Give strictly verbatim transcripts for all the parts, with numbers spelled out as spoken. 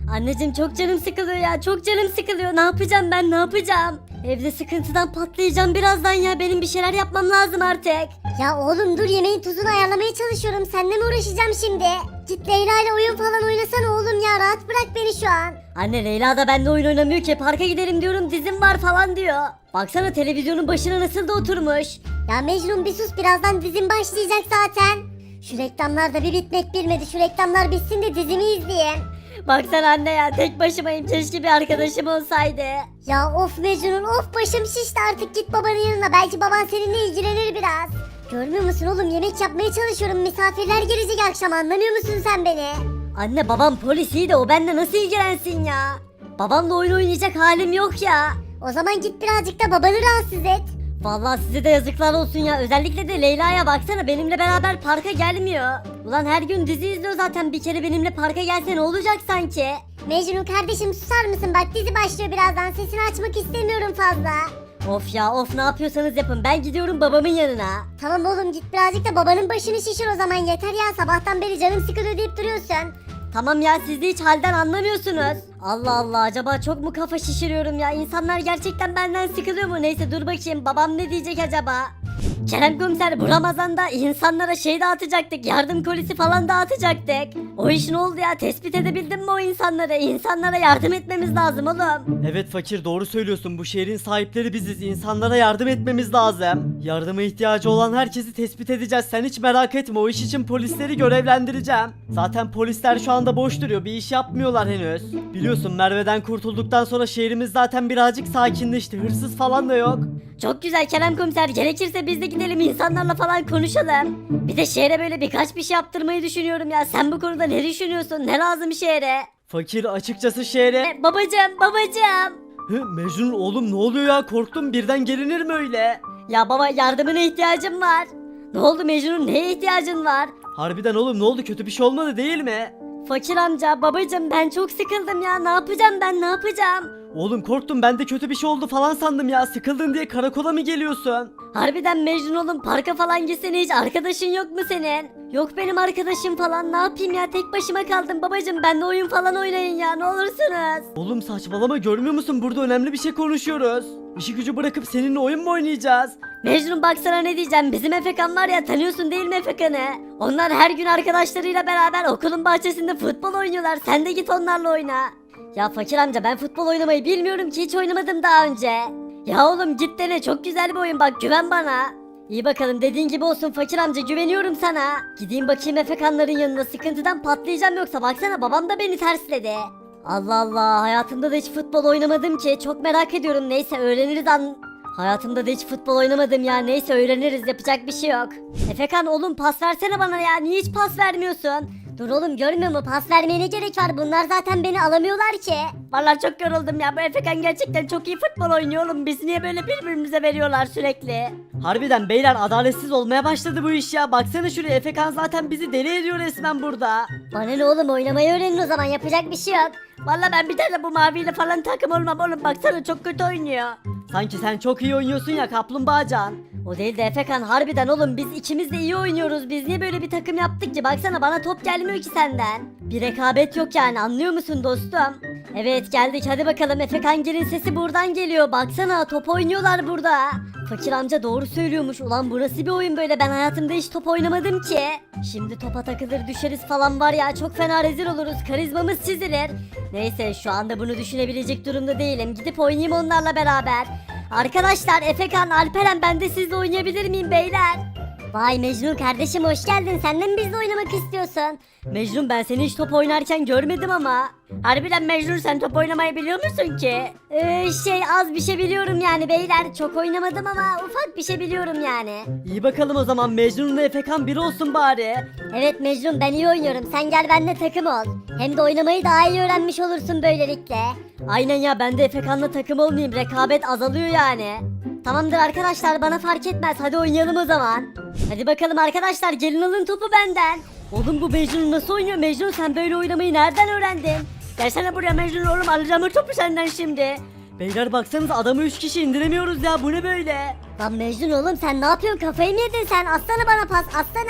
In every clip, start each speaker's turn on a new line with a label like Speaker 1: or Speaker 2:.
Speaker 1: Anneciğim çok canım sıkılıyor ya, çok canım sıkılıyor. Ne yapacağım ben, ne yapacağım? Evde sıkıntıdan patlayacağım birazdan ya. Benim bir şeyler yapmam lazım artık.
Speaker 2: Ya oğlum dur, yemeğin tuzunu ayarlamaya çalışıyorum. Seninle mi uğraşacağım şimdi? Git Leyla ile oyun falan oynasana oğlum ya. Rahat bırak beni şu an.
Speaker 1: Anne Leyla da benimle oyun oynamıyor ki. Parka gidelim diyorum, dizim var falan diyor. Baksana televizyonun başına nasıl da oturmuş.
Speaker 2: Ya Mecnun bir sus, birazdan dizim başlayacak zaten. Şu reklamlar da bir bitmek bilmedi. Şu reklamlar bitsin de dizimi izleyeyim.
Speaker 1: Baksana anne ya, tek başımayım, keşke bir arkadaşım olsaydı.
Speaker 2: Ya of Mecnun of, başım şişti artık. Git babanın yanına, belki baban seninle ilgilenir biraz. Görmüyor musun oğlum, yemek yapmaya çalışıyorum. Misafirler gelecek akşam, anlamıyor musun sen beni?
Speaker 1: Anne babam polis, iyi de o bende nasıl ilgilensin ya? Babamla oyun oynayacak halim yok ya.
Speaker 2: O zaman git birazcık da babanı rahatsız et.
Speaker 1: Vallahi size de yazıklar olsun ya. Özellikle de Leyla'ya baksana, benimle beraber parka gelmiyor. Ulan her gün dizi izliyor zaten, bir kere benimle parka gelse ne olacak sanki?
Speaker 2: Mecnun kardeşim susar mısın? Bak dizi başlıyor birazdan, sesini açmak istemiyorum fazla.
Speaker 1: Of ya of, ne yapıyorsanız yapın, ben gidiyorum babamın yanına.
Speaker 2: Tamam oğlum, git birazcık da babanın başını şişir o zaman, yeter ya, sabahtan beri canım sıkılıyor deyip duruyorsun.
Speaker 1: Tamam ya, siz de hiç halden anlamıyorsunuz. Allah Allah, acaba çok mu kafa şişiriyorum ya? İnsanlar gerçekten benden sıkılıyor mu? Neyse dur bakayım, babam ne diyecek acaba? Kerem komiser, bu Ramazan'da insanlara şey dağıtacaktık, yardım kolisi falan dağıtacaktık. O iş ne oldu ya? Tespit edebildin mi o insanları? İnsanlara yardım etmemiz lazım oğlum.
Speaker 3: Evet fakir, doğru söylüyorsun. Bu şehrin sahipleri biziz. İnsanlara yardım etmemiz lazım. Yardıma ihtiyacı olan herkesi tespit edeceğiz. Sen hiç merak etme. O iş için polisleri görevlendireceğim. Zaten polisler şu anda boş duruyor. Bir iş yapmıyorlar henüz. Biliyorsun Merve'den kurtulduktan sonra şehrimiz zaten birazcık sakinleşti. Hırsız falan da yok.
Speaker 1: Çok güzel Kerem komiser, gerekirse biz de gidelim insanlarla falan konuşalım. Bir de şehre böyle birkaç bir şey yaptırmayı düşünüyorum ya. Sen bu konuda ne düşünüyorsun? Ne lazım şehre?
Speaker 3: Fakir açıkçası şehre...
Speaker 1: E, babacığım babacığım.
Speaker 3: Hı, Mecnun oğlum ne oluyor ya? Korktum, birden gelinir mi öyle?
Speaker 1: Ya baba, yardımına ihtiyacım var. Ne oldu Mecnun, neye ihtiyacın var?
Speaker 3: Harbiden oğlum, ne oldu? Kötü bir şey olmadı değil mi?
Speaker 1: Fakir amca, babacığım, ben çok sıkıldım ya. Ne yapacağım ben, ne yapacağım?
Speaker 3: Oğlum korktum, ben de kötü bir şey oldu falan sandım ya. Sıkıldın diye karakola mı geliyorsun?
Speaker 1: Harbiden Mecnun oğlum, parka falan gitsene, hiç arkadaşın yok mu senin? Yok benim arkadaşım falan, ne yapayım ya, tek başıma kaldım babacığım. Benimle oyun falan oynayın ya, ne olursunuz.
Speaker 3: Oğlum saçmalama, görmüyor musun? Burada önemli bir şey konuşuyoruz. İşi gücü bırakıp seninle oyun mu oynayacağız?
Speaker 1: Mecnun baksana ne diyeceğim, bizim Efekan var ya, tanıyorsun değil mi Efekan'ı? Onlar her gün arkadaşlarıyla beraber okulun bahçesinde futbol oynuyorlar, sen de git onlarla oyna. Ya fakir amca, ben futbol oynamayı bilmiyorum ki, hiç oynamadım daha önce. Ya oğlum git dene, çok güzel bir oyun, bak güven bana. İyi bakalım, dediğin gibi olsun fakir amca, güveniyorum sana. Gideyim bakayım Efekanların yanına, sıkıntıdan patlayacağım yoksa, baksana babam da beni tersledi. Allah Allah, hayatımda da hiç futbol oynamadım ki, çok merak ediyorum. Neyse öğreniriz an... Hayatımda da hiç futbol oynamadım ya, neyse öğreniriz, yapacak bir şey yok. Efekan oğlum, pas versene bana ya, niye hiç pas vermiyorsun?
Speaker 2: Dur oğlum, görmüyor mu, pas vermeye ne gerek var, bunlar zaten beni alamıyorlar ki.
Speaker 1: Vallahi çok yoruldum ya, bu Efekan gerçekten çok iyi futbol oynuyor oğlum, biz niye böyle birbirimize veriyorlar sürekli?
Speaker 3: Harbiden beyler, adaletsiz olmaya başladı bu iş ya. Baksana şuraya, Efekan zaten bizi deli ediyor resmen burada.
Speaker 2: Bana ne oğlum, oynamayı öğrenin o zaman, yapacak bir şey yok.
Speaker 1: Vallahi ben bir tane bu maviyle falan takım olmam oğlum, baksana çok kötü oynuyor.
Speaker 3: Sanki sen çok iyi oynuyorsun ya kaplumbağacan.
Speaker 1: O değil de Efekan, harbiden oğlum biz ikimiz de iyi oynuyoruz, biz niye böyle bir takım yaptık ki? Baksana bana top gelmiyor ki senden. Bir rekabet yok yani, anlıyor musun dostum? Evet geldik, hadi bakalım. Efekan gelin sesi buradan geliyor, baksana top oynuyorlar burada. Fakir amca doğru söylüyormuş, ulan bu nasıl bir oyun böyle, ben hayatımda hiç top oynamadım ki. Şimdi topa takılır düşeriz falan var ya, çok fena rezil oluruz, karizmamız çizilir. Neyse şu anda bunu düşünebilecek durumda değilim, gidip oynayayım onlarla beraber. Arkadaşlar, Efekan, Alperen, ben de sizle oynayabilir miyim beyler?
Speaker 2: Vay Mecnun kardeşim, hoş geldin, sen de mi bizle oynamak istiyorsun?
Speaker 1: Mecnun, ben seni hiç top oynarken görmedim ama. Harbiden Mecnun, sen top oynamayı biliyor musun ki?
Speaker 2: Ee, şey az bir şey biliyorum yani beyler, çok oynamadım ama ufak bir şey biliyorum yani.
Speaker 3: İyi bakalım o zaman, Mecnun'la Efekan bir olsun bari.
Speaker 2: Evet Mecnun, ben iyi oynuyorum, sen gel benimle takım ol. Hem de oynamayı daha iyi öğrenmiş olursun böylelikle.
Speaker 1: Aynen ya, ben de Efekan'la takım olmayayım, rekabet azalıyor yani. Tamamdır arkadaşlar, bana fark etmez, hadi oynayalım o zaman. Hadi bakalım arkadaşlar, gelin alın topu benden. Oğlum bu Mecnun nasıl oynuyor? Mecnun, sen böyle oynamayı nereden öğrendin? Gelsene buraya Mecnun oğlum, alacağım o topu senden şimdi.
Speaker 3: Beyler baksanıza, adamı üç kişi indiremiyoruz ya, bu ne böyle?
Speaker 2: Lan Mecnun oğlum, sen ne yapıyorsun, kafayı mı yedin sen? Atsana bana pas, atsana.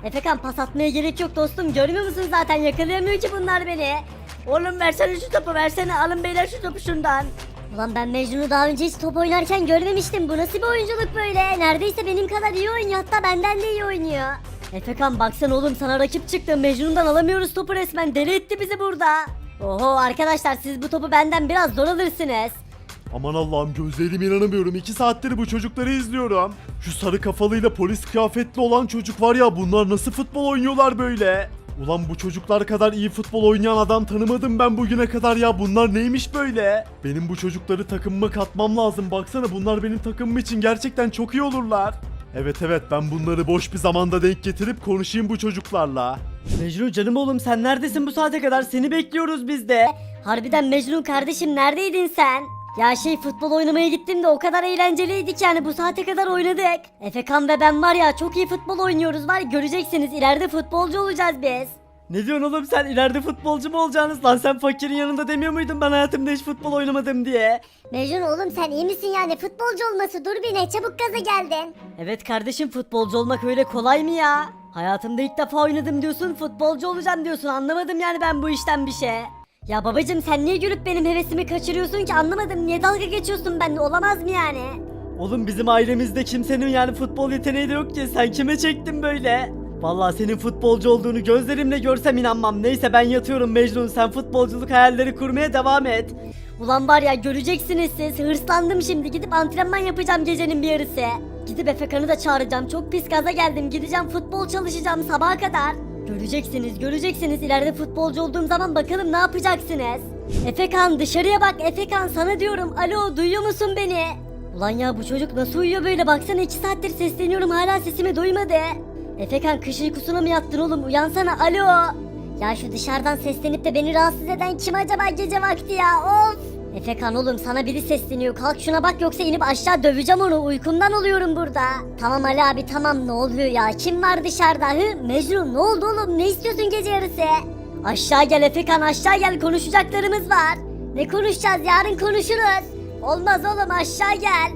Speaker 1: Efekan pas atmaya gerek yok dostum, görmüyor musun zaten yakalayamıyor ki bunlar beni. Oğlum versene şu topu, versene, alın beyler şu topu şundan.
Speaker 2: Ulan ben Mecnun'u daha önce hiç top oynarken görmemiştim. Bu nasıl bir oyunculuk böyle? Neredeyse benim kadar iyi oynuyor, hatta benden de iyi oynuyor.
Speaker 1: Efekan baksana oğlum, sana rakip çıktı, Mecnun'dan alamıyoruz topu, resmen deli etti bizi burada. Oho arkadaşlar, siz bu topu benden biraz zor alırsınız.
Speaker 4: Aman Allah'ım, gözlerime inanamıyorum. iki saattir bu çocukları izliyorum. Şu sarı kafalıyla polis kıyafetli olan çocuk var ya, bunlar nasıl futbol oynuyorlar böyle? Ulan bu çocuklar kadar iyi futbol oynayan adam tanımadım ben bugüne kadar ya. Bunlar neymiş böyle? Benim bu çocukları takımıma katmam lazım. Baksana, bunlar benim takımım için gerçekten çok iyi olurlar. Evet evet, ben bunları boş bir zamanda denk getirip konuşayım bu çocuklarla.
Speaker 3: Mecnun canım oğlum, sen neredesin bu saate kadar? Seni bekliyoruz biz de.
Speaker 1: Harbiden Mecnun kardeşim, neredeydin sen? Ya şey, futbol oynamaya gittim de o kadar eğlenceliydik yani, bu saate kadar oynadık. Efekan ve ben var ya, çok iyi futbol oynuyoruz, var göreceksiniz, ileride futbolcu olacağız biz.
Speaker 3: Ne diyorsun oğlum sen, ileride futbolcu mu olacaksınız lan? Sen fakirin yanında demiyor muydun ben hayatımda hiç futbol oynamadım diye?
Speaker 2: Mecnun oğlum sen iyi misin yani? Futbolcu olması, dur bir ne çabuk gaza geldin.
Speaker 1: Evet kardeşim, futbolcu olmak öyle kolay mı ya? Hayatımda ilk defa oynadım diyorsun, futbolcu olacağım diyorsun, anlamadım yani ben bu işten bir şey. Ya babacım, sen niye gülüp benim hevesimi kaçırıyorsun ki, anlamadım, niye dalga geçiyorsun benimle, olamaz mı yani?
Speaker 3: Oğlum bizim ailemizde kimsenin yani futbol yeteneği de yok ki, sen kime çektin böyle? Vallahi senin futbolcu olduğunu gözlerimle görsem inanmam. Neyse ben yatıyorum Mecnun, sen futbolculuk hayalleri kurmaya devam et.
Speaker 1: Ulan var ya, göreceksiniz siz, hırslandım şimdi, gidip antrenman yapacağım gecenin bir yarısı. Gidip Efekan'ı da çağıracağım, çok pis gaza geldim, gideceğim futbol çalışacağım sabaha kadar. Göreceksiniz göreceksiniz, ileride futbolcu olduğum zaman bakalım ne yapacaksınız. Efekan dışarıya bak, Efekan sana diyorum, alo duyuyor musun beni? Ulan ya bu çocuk nasıl uyuyor böyle, baksana iki saattir sesleniyorum hala sesimi duymadı. Efekan kış uykusuna mı yattın oğlum, uyansana, alo.
Speaker 2: Ya şu dışarıdan seslenip de beni rahatsız eden kim acaba gece vakti ya, of.
Speaker 1: Efekan oğlum, sana biri sesleniyor, kalk şuna bak, yoksa inip aşağı döveceğim onu, uykumdan oluyorum burada.
Speaker 2: Tamam Ali abi tamam, ne oluyor ya, kim var dışarıda? Hı Mecnun, ne oldu oğlum, ne istiyorsun gece yarısı?
Speaker 1: Aşağı gel Efekan, aşağı gel, konuşacaklarımız var.
Speaker 2: Ne konuşacağız, yarın konuşuruz.
Speaker 1: Olmaz oğlum, aşağı gel.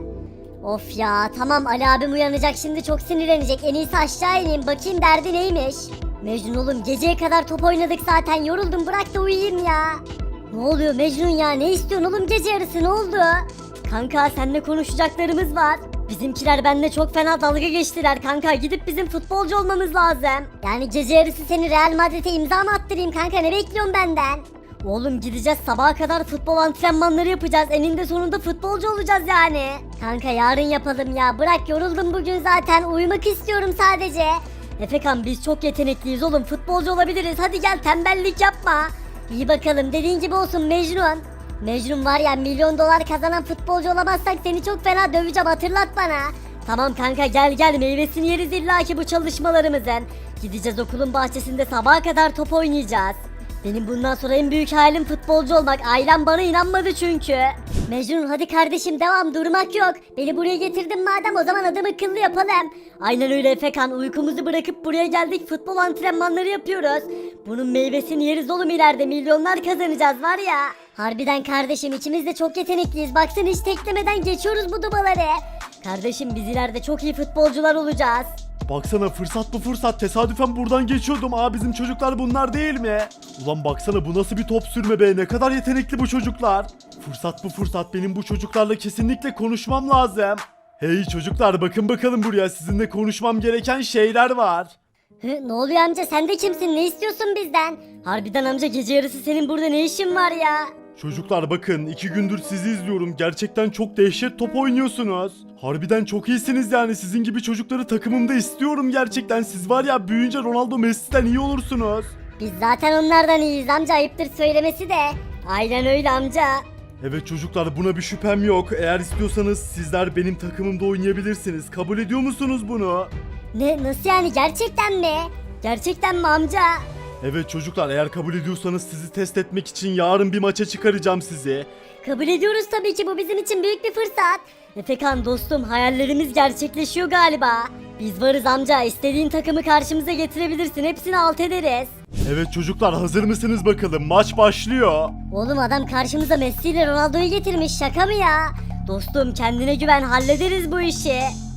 Speaker 2: Of ya tamam, Ali abim uyanacak şimdi, çok sinirlenecek, en iyisi aşağı ineyim bakayım derdi neymiş.
Speaker 1: Mecnun oğlum, geceye kadar top oynadık zaten, yoruldum, bırak da uyuyayım ya.
Speaker 2: Ne oluyor Mecnun ya, ne istiyorsun oğlum gece yarısı, ne oldu?
Speaker 1: Kanka seninle konuşacaklarımız var. Bizimkiler benimle çok fena dalga geçtiler kanka, gidip bizim futbolcu olmamız lazım.
Speaker 2: Yani gece yarısı seni Real Madrid'e imza mı attırayım kanka, ne bekliyorsun benden?
Speaker 1: Oğlum gideceğiz, sabaha kadar futbol antrenmanları yapacağız, eninde sonunda futbolcu olacağız yani.
Speaker 2: Kanka yarın yapalım ya, bırak, yoruldum bugün zaten, uyumak istiyorum sadece.
Speaker 1: Efekan biz çok yetenekliyiz oğlum, futbolcu olabiliriz, hadi gel, tembellik yapma.
Speaker 2: İyi bakalım, dediğin gibi olsun Mecnun. Mecnun var ya, milyon dolar kazanan futbolcu olamazsak seni çok fena döveceğim, hatırlat bana.
Speaker 1: Tamam kanka, gel gel, meyvesini yeriz illaki bu çalışmalarımızın. Gideceğiz okulun bahçesinde sabaha kadar top oynayacağız. Benim bundan sonra en büyük hayalim futbolcu olmak, ailem bana inanmadı çünkü.
Speaker 2: Mecnun hadi kardeşim devam, durmak yok. Beni buraya getirdin madem, o zaman adımı akıllı yapalım.
Speaker 1: Aynen öyle Efekan, uykumuzu bırakıp buraya geldik, futbol antrenmanları yapıyoruz. Bunun meyvesini yeriz oğlum, ileride milyonlar kazanacağız var ya.
Speaker 2: Harbiden kardeşim, ikimiz de çok yetenekliyiz, baksana hiç teklemeden geçiyoruz bu dubaları.
Speaker 1: Kardeşim biz ileride çok iyi futbolcular olacağız.
Speaker 4: Baksana, fırsat bu fırsat, tesadüfen buradan geçiyordum. Aa, bizim çocuklar bunlar değil mi? Ulan baksana, bu nasıl bir top sürme be, ne kadar yetenekli bu çocuklar. Fırsat bu fırsat, benim bu çocuklarla kesinlikle konuşmam lazım. Hey çocuklar, bakın bakalım buraya, sizinle konuşmam gereken şeyler var.
Speaker 2: Hı, ne oluyor amca, sen de kimsin, ne istiyorsun bizden?
Speaker 1: Harbiden amca, gece yarısı senin burada ne işin var ya?
Speaker 4: Çocuklar bakın, iki gündür sizi izliyorum, gerçekten çok dehşet top oynuyorsunuz. Harbiden çok iyisiniz yani, sizin gibi çocukları takımımda istiyorum gerçekten. Siz var ya, büyüyünce Ronaldo Messi'den iyi olursunuz.
Speaker 2: Biz zaten onlardan iyiyiz amca, ayıptır söylemesi de.
Speaker 1: Aynen öyle amca.
Speaker 4: Evet çocuklar, buna bir şüphem yok. Eğer istiyorsanız sizler benim takımımda oynayabilirsiniz. Kabul ediyor musunuz bunu?
Speaker 2: Ne, nasıl yani, gerçekten mi?
Speaker 1: Gerçekten mi amca?
Speaker 4: Evet çocuklar, eğer kabul ediyorsanız sizi test etmek için yarın bir maça çıkaracağım sizi.
Speaker 1: Kabul ediyoruz tabii ki, bu bizim için büyük bir fırsat. Efekan dostum, hayallerimiz gerçekleşiyor galiba. Biz varız amca, istediğin takımı karşımıza getirebilirsin, hepsini alt ederiz.
Speaker 4: Evet çocuklar, hazır mısınız bakalım? Maç başlıyor.
Speaker 2: Oğlum adam karşımıza Messi ile Ronaldo'yu getirmiş, şaka mı ya?
Speaker 1: Dostum kendine güven, hallederiz bu işi.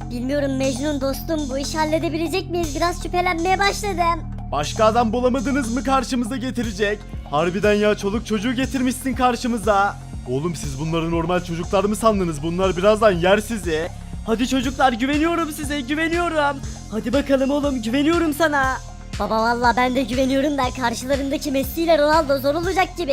Speaker 2: Bilmiyorum Mecnun dostum, bu işi halledebilecek miyiz? Biraz şüphelenmeye başladım.
Speaker 4: Başka adam bulamadınız mı karşımıza getirecek? Harbiden ya, çoluk çocuğu getirmişsin karşımıza. Oğlum siz bunları normal çocuklar mı sandınız? Bunlar birazdan yer sizi.
Speaker 3: Hadi çocuklar, güveniyorum size, güveniyorum. Hadi bakalım oğlum, güveniyorum sana.
Speaker 1: Baba valla ben de güveniyorum da karşılarındaki Messi ile Ronaldo zor olacak gibi.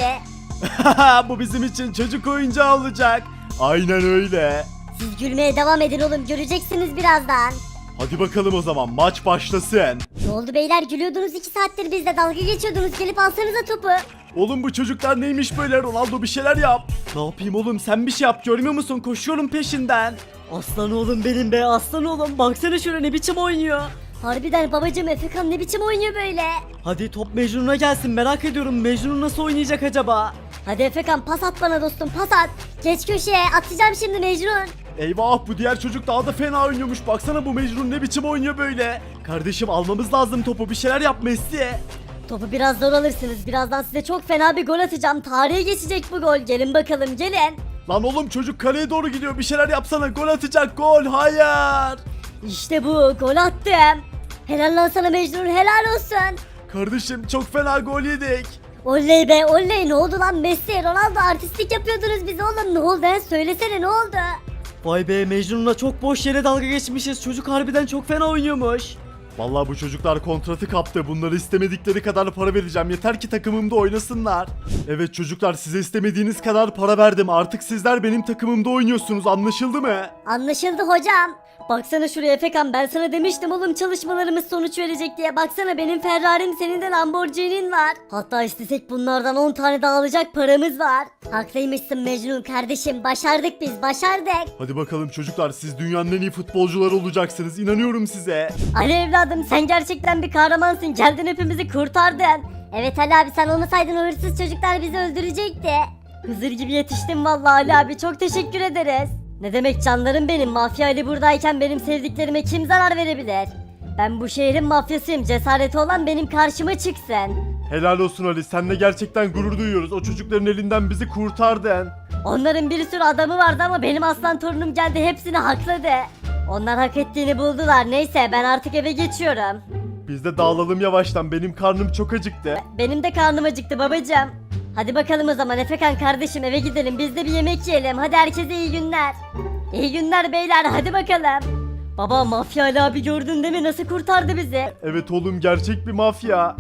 Speaker 4: Bu bizim için çocuk oyuncağı olacak. Aynen öyle.
Speaker 1: Siz gülmeye devam edin oğlum, göreceksiniz birazdan.
Speaker 4: Hadi bakalım o zaman, maç başlasın.
Speaker 2: Ne oldu beyler, gülüyordunuz iki saattir bizle dalga geçiyordunuz, gelip alsanıza topu.
Speaker 4: Oğlum bu çocuklar neymiş böyle? Ronaldo bir şeyler yap.
Speaker 3: Ne yapayım oğlum, sen bir şey yap, görmüyor musun? Koşuyorum peşinden. Aslan oğlum benim be, aslan oğlum. Baksana şöyle ne biçim oynuyor.
Speaker 1: Harbiden babacım, Efekan ne biçim oynuyor böyle?
Speaker 3: Hadi top Mecnun'a gelsin, merak ediyorum. Mecnun nasıl oynayacak acaba?
Speaker 1: Hadi Efekan pas at bana dostum, pas at. Geç köşeye, atacağım şimdi Mecnun.
Speaker 4: Eyvah, bu diğer çocuk daha da fena oynuyormuş. Baksana bu Mecnun ne biçim oynuyor böyle. Kardeşim almamız lazım topu, bir şeyler yap Messi.
Speaker 1: Topu biraz zor alırsınız. Birazdan size çok fena bir gol atacağım. Tarihe geçecek bu gol. Gelin bakalım, gelin.
Speaker 4: Lan oğlum çocuk kaleye doğru gidiyor, bir şeyler yapsana, gol atacak, gol, hayır.
Speaker 1: İşte bu, gol attım. Helal lan sana Mecnun, helal olsun.
Speaker 4: Kardeşim çok fena gol yedik.
Speaker 1: Oley be oley, ne oldu lan Messi, Ronaldo artistlik yapıyordunuz bize oğlum, ne oldu he? Söylesene ne oldu?
Speaker 3: Vay be, Mecnun'la çok boş yere dalga geçmişiz. Çocuk harbiden çok fena oynuyormuş.
Speaker 4: Vallahi bu çocuklar kontratı kaptı. Bunları istemedikleri kadar para vereceğim. Yeter ki takımımda oynasınlar. Evet çocuklar, size istemediğiniz kadar para verdim. Artık sizler benim takımımda oynuyorsunuz. Anlaşıldı mı?
Speaker 1: Anlaşıldı hocam. Baksana şuraya Efekan, ben sana demiştim oğlum çalışmalarımız sonuç verecek diye. Baksana benim Ferrari'm, senin de Lamborghini'nin var. Hatta istesek bunlardan on tane daha alacak paramız var. Haklıymışsın Mecnun kardeşim, başardık biz, başardık.
Speaker 4: Hadi bakalım çocuklar, siz dünyanın en iyi futbolcuları olacaksınız. İnanıyorum size.
Speaker 1: Ali evladım, sen gerçekten bir kahramansın, geldin hepimizi kurtardın. Evet Ali abi, sen olmasaydın o hırsız çocuklar bizi öldürecekti. Hızır gibi yetiştin vallahi Ali abi, çok teşekkür ederiz. Ne demek canlarım benim, mafya Ali buradayken benim sevdiklerime kim zarar verebilir? Ben bu şehrin mafyasıyım, cesareti olan benim karşıma çıksın.
Speaker 4: Helal olsun Ali, seninle gerçekten gurur duyuyoruz. O çocukların elinden bizi kurtardın.
Speaker 1: Onların bir sürü adamı vardı ama benim aslan torunum geldi, hepsini hakladı. Onlar hak ettiğini buldular, neyse ben artık eve geçiyorum.
Speaker 4: Biz de dağılalım yavaştan, benim karnım çok acıktı.
Speaker 1: Benim de karnım acıktı babacığım. Hadi bakalım o zaman Efekan kardeşim, eve gidelim, biz de bir yemek yiyelim. Hadi herkese iyi günler. İyi günler beyler, hadi bakalım. Baba, Mafya Ali abi gördün değil mi, nasıl kurtardı bizi?
Speaker 4: Evet oğlum, gerçek bir mafya.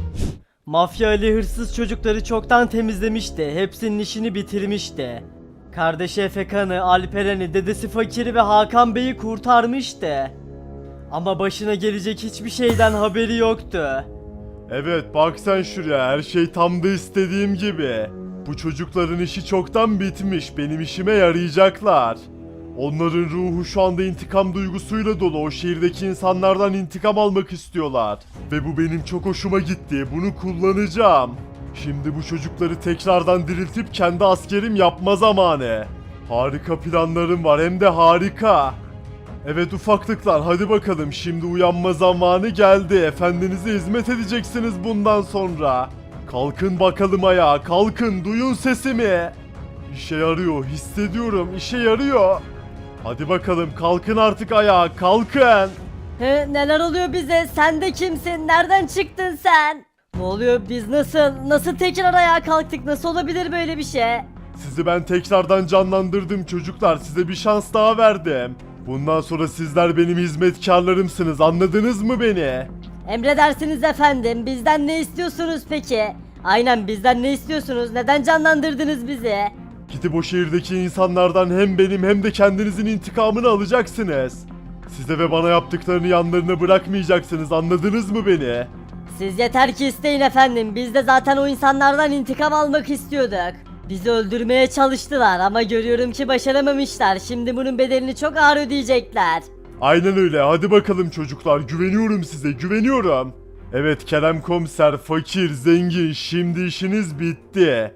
Speaker 3: Mafya Ali hırsız çocukları çoktan temizlemişti. Hepsinin işini bitirmişti. Kardeşi Efekan'ı, Alperen'i, dedesi Fakir'i ve Hakan Bey'i kurtarmıştı. Ama başına gelecek hiçbir şeyden haberi yoktu.
Speaker 4: Evet bak sen şuraya, her şey tam da istediğim gibi. Bu çocukların işi çoktan bitmiş, benim işime yarayacaklar. Onların ruhu şu anda intikam duygusuyla dolu, o şehirdeki insanlardan intikam almak istiyorlar. Ve bu benim çok hoşuma gitti, bunu kullanacağım. Şimdi bu çocukları tekrardan diriltip kendi askerim yapma zamanı. Harika planlarım var, hem de harika. Evet ufaklıklar, hadi bakalım, şimdi uyanma zamanı geldi. Efendinize hizmet edeceksiniz bundan sonra. Kalkın bakalım ayağa, kalkın, duyun sesimi. İşe yarıyor, hissediyorum, işe yarıyor. Hadi bakalım kalkın artık ayağa, kalkın.
Speaker 1: He, neler oluyor bize, sen de kimsin, nereden çıktın sen? Ne oluyor, biz nasıl, nasıl tekrar ayağa kalktık, nasıl olabilir böyle bir şey?
Speaker 4: Sizi ben tekrardan canlandırdım çocuklar, size bir şans daha verdim. Bundan sonra sizler benim hizmetkarlarımsınız, anladınız mı beni?
Speaker 1: Emredersiniz efendim, bizden ne istiyorsunuz peki? Aynen, bizden ne istiyorsunuz, neden canlandırdınız bizi?
Speaker 4: Gidip o şehirdeki insanlardan hem benim hem de kendinizin intikamını alacaksınız. Size ve bana yaptıklarını yanlarına bırakmayacaksınız, anladınız mı beni?
Speaker 1: Siz yeter ki isteyin efendim, biz de zaten o insanlardan intikam almak istiyorduk. Bizi öldürmeye çalıştılar ama görüyorum ki başaramamışlar. Şimdi bunun bedelini çok ağır ödeyecekler.
Speaker 4: Aynen öyle, hadi bakalım çocuklar, güveniyorum size, güveniyorum. Evet Kerem Komiser, fakir, zengin, şimdi işiniz bitti.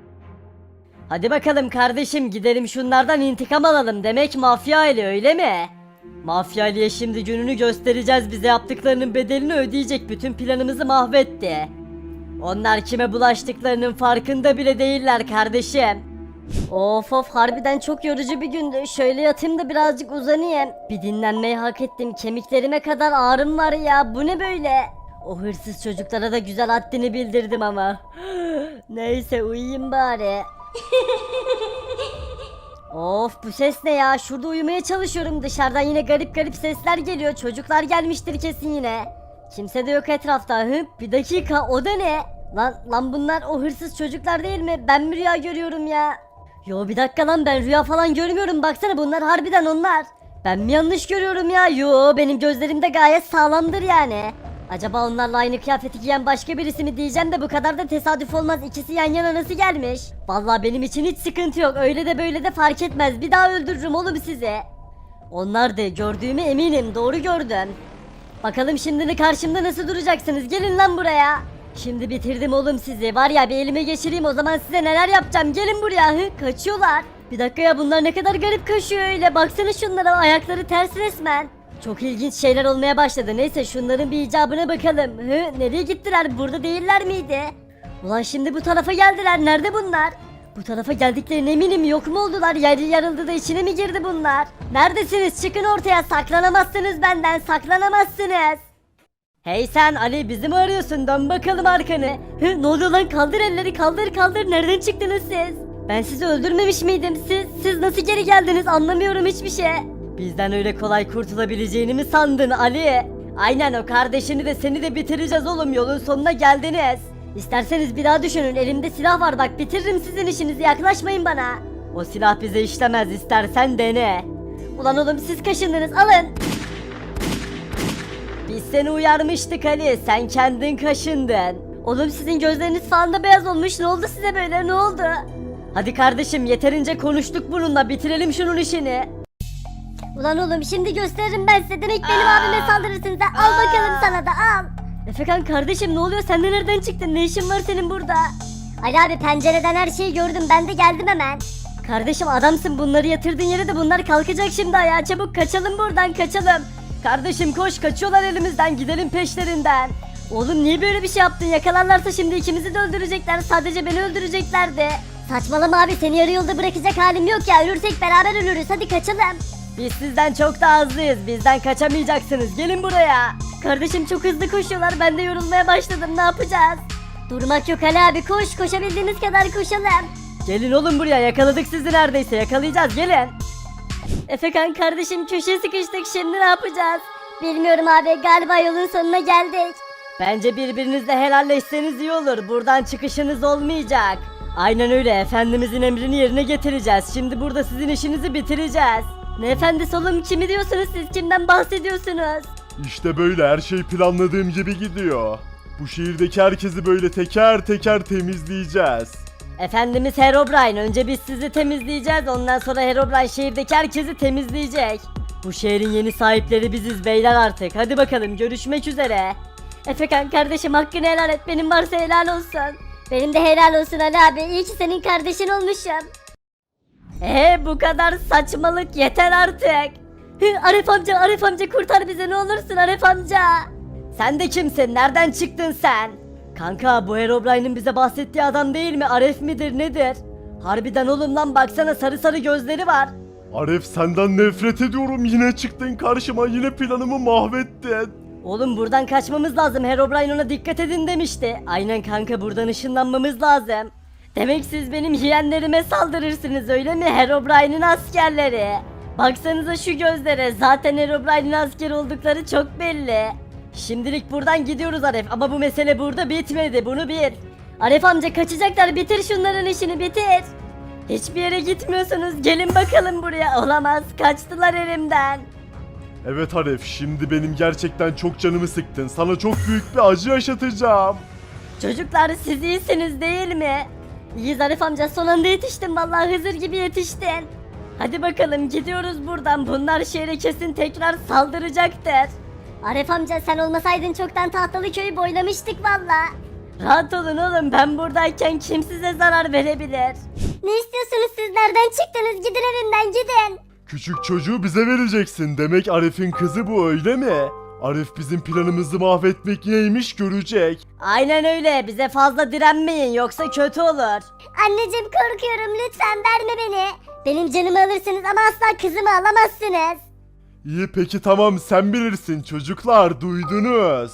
Speaker 1: Hadi bakalım kardeşim, gidelim şunlardan intikam alalım. Demek Mafya Ali öyle mi? Mafya Ali'ye şimdi gününü göstereceğiz, bize yaptıklarının bedelini ödeyecek, bütün planımızı mahvetti. Onlar kime bulaştıklarının farkında bile değiller kardeşim. Of of harbiden çok yorucu bir gündü. Şöyle yatayım da birazcık uzanayım. Bir dinlenmeyi hak ettim. Kemiklerime kadar ağrım var ya. Bu ne böyle? O hırsız çocuklara da güzel haddini bildirdim ama. Neyse uyuyayım bari. Of bu ses ne ya? Şurada uyumaya çalışıyorum. Dışarıdan yine garip garip sesler geliyor. Çocuklar gelmiştir kesin yine. Kimse de yok etrafta. Hı? Bir dakika o da ne? Lan lan bunlar o hırsız çocuklar değil mi? Ben mi rüya görüyorum ya? Yo bir dakika lan ben rüya falan görmüyorum. Baksana bunlar harbiden onlar. Ben mi yanlış görüyorum ya? Yo benim gözlerim de gayet sağlamdır yani. Acaba onlarla aynı kıyafeti giyen başka birisi mi diyeceğim de bu kadar da tesadüf olmaz. İkisi yan yana nasıl gelmiş? Vallahi benim için hiç sıkıntı yok. Öyle de böyle de fark etmez. Bir daha öldürürüm oğlum sizi. Onlar da gördüğüme eminim. Doğru gördüm. Bakalım şimdi de karşımda nasıl duracaksınız? Gelin lan buraya. Şimdi bitirdim oğlum sizi. Var ya bir elime geçireyim o zaman size neler yapacağım. Gelin buraya. Hı, kaçıyorlar. Bir dakika ya bunlar ne kadar garip kaçıyor öyle. Baksana şunlara ayakları ters resmen. Çok ilginç şeyler olmaya başladı. Neyse şunların bir icabına bakalım. Hı, nereye gittiler? Burada değiller miydi? Ulan şimdi bu tarafa geldiler. Nerede bunlar? Bu tarafa geldiklerine eminim. Yok mu oldular? Yer yarıldı da içine mi girdi bunlar? Neredesiniz? Çıkın ortaya. Saklanamazsınız benden. Saklanamazsınız. Hey sen Ali bizi mi arıyorsun? Dön bakalım arkanı. Hı, ne oluyor lan? Kaldır elleri kaldır kaldır. Nereden çıktınız siz? Ben sizi öldürmemiş miydim? Siz siz nasıl geri geldiniz? Anlamıyorum hiçbir şey. Bizden öyle kolay kurtulabileceğini mi sandın Ali? Aynen o kardeşini de seni de bitireceğiz oğlum. Yolun sonuna geldiniz. İsterseniz bir daha düşünün. Elimde silah var bak bitiririm sizin işinizi. Yaklaşmayın bana. O silah bize işlemez. İstersen dene. Ulan oğlum siz kaşındınız. Alın. Biz seni uyarmıştık Ali. Sen kendin kaşındın. Oğlum sizin gözleriniz falan da beyaz olmuş. Ne oldu size böyle? Ne oldu? Hadi kardeşim yeterince konuştuk bununla. Bitirelim şunun işini.
Speaker 2: Ulan oğlum şimdi gösteririm ben size. Demek benim abime saldırırsınız ha. Al bakalım sana da al.
Speaker 1: Efekan kardeşim ne oluyor? Sen de nereden çıktın? Ne işin var senin burada?
Speaker 2: Ali abi pencereden her şeyi gördüm. Ben de geldim hemen.
Speaker 1: Kardeşim adamsın bunları yatırdığın yere de bunlar kalkacak şimdi ayağa. Çabuk kaçalım buradan kaçalım. Kardeşim koş kaçıyorlar elimizden gidelim peşlerinden. Oğlum niye böyle bir şey yaptın? Yakalarlarsa şimdi ikimizi de öldürecekler. Sadece beni öldüreceklerdi.
Speaker 2: Saçmalama abi seni yarı yolda bırakacak halim yok ya. Ölürsek beraber ölürüz. Hadi kaçalım.
Speaker 1: Biz sizden çok daha hızlıyız. Bizden kaçamayacaksınız. Gelin buraya. Kardeşim çok hızlı koşuyorlar. Ben de yorulmaya başladım. Ne yapacağız?
Speaker 2: Durmak yok Ali abi. Koş koşabildiğimiz kadar koşalım.
Speaker 1: Gelin oğlum buraya. Yakaladık sizi neredeyse. Yakalayacağız. Gelin. Efekan kardeşim köşeye sıkıştık. Şimdi ne yapacağız?
Speaker 2: Bilmiyorum abi. Galiba yolun sonuna geldik.
Speaker 1: Bence birbirinizle helalleşseniz iyi olur. Buradan çıkışınız olmayacak. Aynen öyle. Efendimizin emrini yerine getireceğiz. Şimdi burada sizin işinizi bitireceğiz. Ne efendisi oğlum? Kimi diyorsunuz siz? Kimden bahsediyorsunuz?
Speaker 4: İşte böyle her şey planladığım gibi gidiyor. Bu şehirdeki herkesi böyle teker teker temizleyeceğiz.
Speaker 1: Efendimiz Herobrine. Önce biz sizi temizleyeceğiz. Ondan sonra Herobrine şehirdeki herkesi temizleyecek. Bu şehrin yeni sahipleri biziz beyler artık. Hadi bakalım görüşmek üzere. Efekan kardeşim hakkını helal et. Benim varsa helal olsun.
Speaker 2: Benim de helal olsun Ali abi. İyi ki senin kardeşin olmuşum.
Speaker 1: Ee bu kadar saçmalık yeter artık. Hı, Arif amca Arif amca kurtar bizi ne olursun Arif amca. Sen de kimsin? Nereden çıktın sen? Kanka bu Herobrine'in bize bahsettiği adam değil mi? Arif midir nedir? Harbiden oğlum lan baksana sarı sarı gözleri var.
Speaker 4: Arif senden nefret ediyorum yine çıktın karşıma yine planımı mahvettin.
Speaker 1: Oğlum buradan kaçmamız lazım. Herobrine ona dikkat edin demişti. Aynen kanka buradan ışınlanmamız lazım. Demek siz benim yeğenlerime saldırırsınız öyle mi? Herobrine'in askerleri. Baksanıza şu gözlere. Zaten Herobrine'in asker oldukları çok belli. Şimdilik buradan gidiyoruz Arif ama bu mesele burada bitmedi. Bunu bil. Arif amca kaçacaklar. Bitir şunların işini bitir. Hiçbir yere gitmiyorsunuz. Gelin bakalım buraya. Olamaz. Kaçtılar elimden.
Speaker 4: Evet Arif şimdi benim gerçekten çok canımı sıktın. Sana çok büyük bir acı yaşatacağım.
Speaker 1: Çocuklar siz iyisiniz değil mi? İyiyiz Arif amca son anda yetiştin vallahi Hızır gibi yetiştin. Hadi bakalım gidiyoruz buradan bunlar şehre kesin tekrar saldıracaktır.
Speaker 2: Arif amca sen olmasaydın çoktan tahtalı köyü boylamıştık valla.
Speaker 1: Rahat olun oğlum ben buradayken kim size zarar verebilir?
Speaker 2: Ne istiyorsunuz siz nereden çıktınız gidin evimden gidin.
Speaker 4: Küçük çocuğu bize vereceksin. Demek Arif'in kızı bu öyle mi? Arif bizim planımızı mahvetmek neymiş görecek.
Speaker 1: Aynen öyle, bize fazla direnmeyin yoksa kötü olur.
Speaker 2: Anneciğim korkuyorum, lütfen verme beni. Benim canımı alırsınız ama asla kızımı alamazsınız.
Speaker 4: İyi peki tamam sen bilirsin çocuklar duydunuz.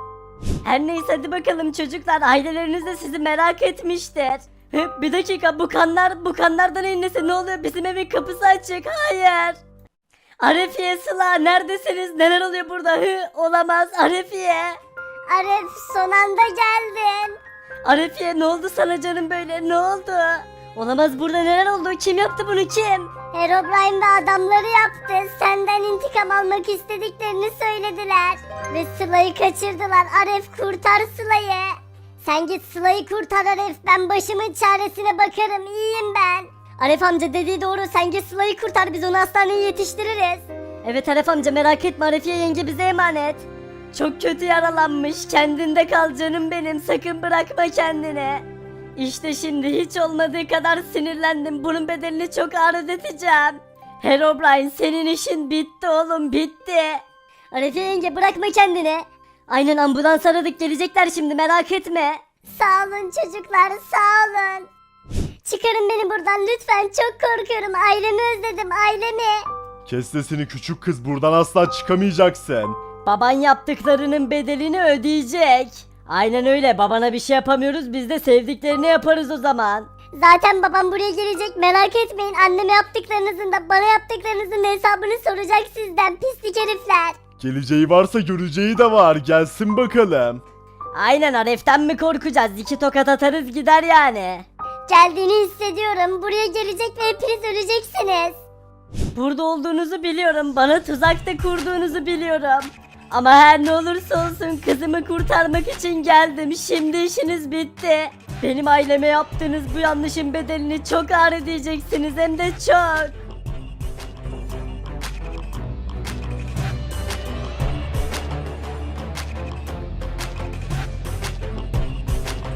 Speaker 1: Her neyse hadi bakalım çocuklar, aileleriniz de sizi merak etmiştir. Hı, bir dakika, bu kanlar bu kanlardan inlese ne oluyor, bizim evin kapısı açık, hayır. Arefiye, Sıla neredesiniz, neler oluyor burada? Hı, olamaz Arefiye.
Speaker 2: Arif son anda geldin.
Speaker 1: Arefiye ne oldu sana canım böyle, ne oldu? Olamaz, burada neler oldu, kim yaptı bunu, kim?
Speaker 2: Herobrine ve adamları yaptı. Senden intikam almak istediklerini söylediler. Ve Sıla'yı kaçırdılar. Arif kurtar Sıla'yı. Sen git Sıla'yı kurtar Arif. Ben başımın çaresine bakarım. İyiyim ben. Arif amca dediği doğru. Sen git Sıla'yı kurtar. Biz onu hastaneye yetiştiririz.
Speaker 1: Evet Aref amca, merak etme, Arefiye yenge bize emanet. Çok kötü yaralanmış, kendinde kal canım benim, sakın bırakma kendini. İşte şimdi hiç olmadığı kadar sinirlendim, bunun bedelini çok ağır ödeteceğim. Herobrine, senin işin bitti oğlum, bitti.
Speaker 2: Arefiye yenge bırakma kendini.
Speaker 1: Aynen, ambulans aradık, gelecekler şimdi, merak etme.
Speaker 2: Sağ olun çocuklar, sağ olun. Çıkarın beni buradan lütfen. Çok korkuyorum. Ailemi özledim, ailemi.
Speaker 4: Kes sesini küçük kız buradan asla çıkamayacaksın.
Speaker 1: Baban yaptıklarının bedelini ödeyecek. Aynen öyle, babana bir şey yapamıyoruz, biz de sevdiklerini yaparız o zaman.
Speaker 2: Zaten babam buraya gelecek, merak etmeyin. Anneme yaptıklarınızın da bana yaptıklarınızın hesabını soracak sizden, pislik herifler.
Speaker 4: Geleceği varsa göreceği de var gelsin bakalım.
Speaker 1: Aynen, Aref'ten mi korkacağız, iki tokat atarız gider yani.
Speaker 2: Geldiğini hissediyorum. Buraya gelecek ve hepiniz öleceksiniz.
Speaker 1: Burada olduğunuzu biliyorum, bana tuzak da kurduğunuzu biliyorum. Ama her ne olursa olsun kızımı kurtarmak için geldim, şimdi işiniz bitti. Benim aileme yaptığınız bu yanlışın bedelini çok ağır ödeyeceksiniz, hem de çok.